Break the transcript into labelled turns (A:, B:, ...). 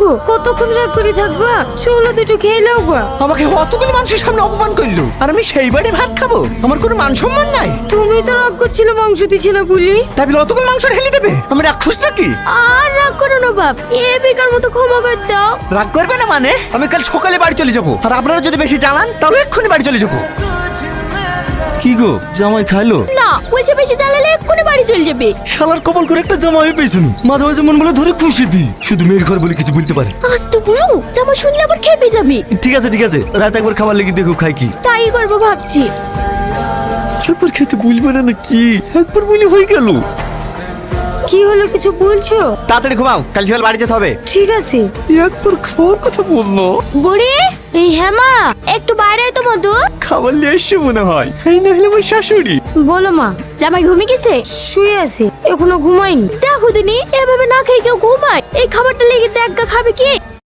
A: কতক্ষণ রাগ করে থাকবা? চলো দুটো খেয়ে নাও গা।
B: আমাকে অতগুলো মানুষের সামনে অপমান করলো, আর আমি সেই বাড়ি ভাত খাবো? আমার কোনো মান সম্মান নাই।
A: তুমি তো রাগ করছিলে মাংস দিছি না বলি।
B: তাই বলে অতগুলো মাংস ঢেলে দেবে? আমি রাক্ষস নাকি?
A: আর রাগ করো না বাপ, এ বেকার মতো ক্ষমা করে দাও।
B: রাগ করবে না মানে? আমি কাল সকালে বাড়ি চলে যাবো, আর আপনারা যদি বেশি জ্বালান তাহলে এক্ষুনি বাড়ি চলে যাবো।
C: কি গো, জামাই খাইলো?
A: না, বলছে বেশি জ্বালালে এক্ষুনি বাড়ি চলে যাবে।
C: শালার কপাল করে একটা জামাই পেয়েছুন, মাঝে মাঝে মন বলে ধরে খুশি দি, শুধু মেয়ের ঘর বলে কিছু বলতে পারে।
A: আজ তো বলো, জামা শুনলে আবার খেপে যাবে।
C: ঠিক আছে ঠিক আছে, রাত একবার খাবার লেগে দেখো খাই কি।
A: তাই করবো ভাবছি।
C: একবার খেতে বুঝবে না নাকি? একবার বলি হয়ে গেল।
A: কি হলো, কিছু বলছো?
B: তাড়াতাড়ি ঘুমাও, কাল সকাল বাড়ি যেতে হবে।
A: ঠিক আছে।
C: একবার খাওয়ার কথা বললো।
A: বুড়ি, এই হেমা, একটু বাইরে আয় তো মধু।
C: খাবার নিয়ে এসে মনে হয়, এই না হলে আমার শাশুড়ি।
A: বলো মা। জামাই ঘুমিয়ে গেছে? শুয়ে আছে, এখনো ঘুমায়নি। দেখো দিনি, এভাবে না খেয়ে কেউ ঘুমায়? এই খাবারটা লেগে তো এক গা খাবে কি?